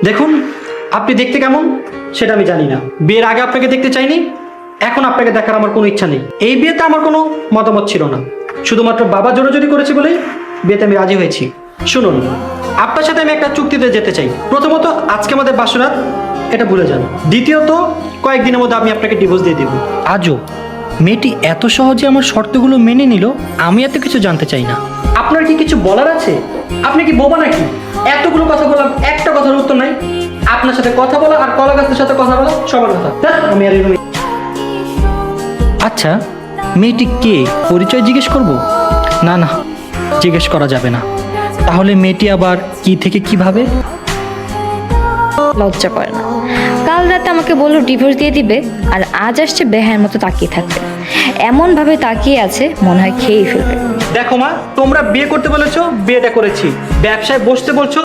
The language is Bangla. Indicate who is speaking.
Speaker 1: দেখুন, আপনি দেখতে কেমন সেটা আমি জানি না। বিয়ের আগে আপনাকে দেখতে চাইনি, এখন আপনাকে দেখার আমার কোনো ইচ্ছা নেই। এই বিয়েতে আমার কোনো মতামত ছিল না, শুধুমাত্র বাবা জোরাজোরি করেছে বলেই বিয়েতে আমি রাজি হয়েছি। শুনুন, আপনার সাথে আমি একটা চুক্তিতে যেতে চাই। প্রথমত, আজকে আমাদের বাসরাত, এটা ভুলে যান। দ্বিতীয়ত, কয়েকদিনের মধ্যে আমি আপনাকে ডিভোর্স দিয়ে দেবো।
Speaker 2: আজও মেয়েটি এত সহজে আমার শর্তগুলো মেনে নিল, আমি এত কিছু জানতে চাই না।
Speaker 1: আপনার কি কিছু বলার আছে? আপনি কি বোবা নাকি? এতগুলো কথা বললাম, একটা কথার উত্তর নাই। আপনার সাথে কথা বলা আর কলা গাছের সাথে কথা বলা সবার কথা। আমি আর এরকম।
Speaker 2: আচ্ছা, মেয়েটি কে, পরিচয় জিজ্ঞেস করব? না না, জিজ্ঞেস করা যাবে না। তাহলে মেয়েটি আবার কি থেকে কিভাবে?
Speaker 3: লজ্জা করে না? কাল রাতে আমাকে বললো ডিভোর্স দিয়ে দিবে, আর আজ আসছে বেহায়ের মতো তাকিয়ে থাকবে। এমন ভাবে তাকিয়ে আছে মনে হয় খেয়েই ফেলবে।
Speaker 1: দেখো মা, তোমরা বিয়ে করতে বলেছো, বিয়েটা করেছি। ব্যবসায় বসতে বলছো,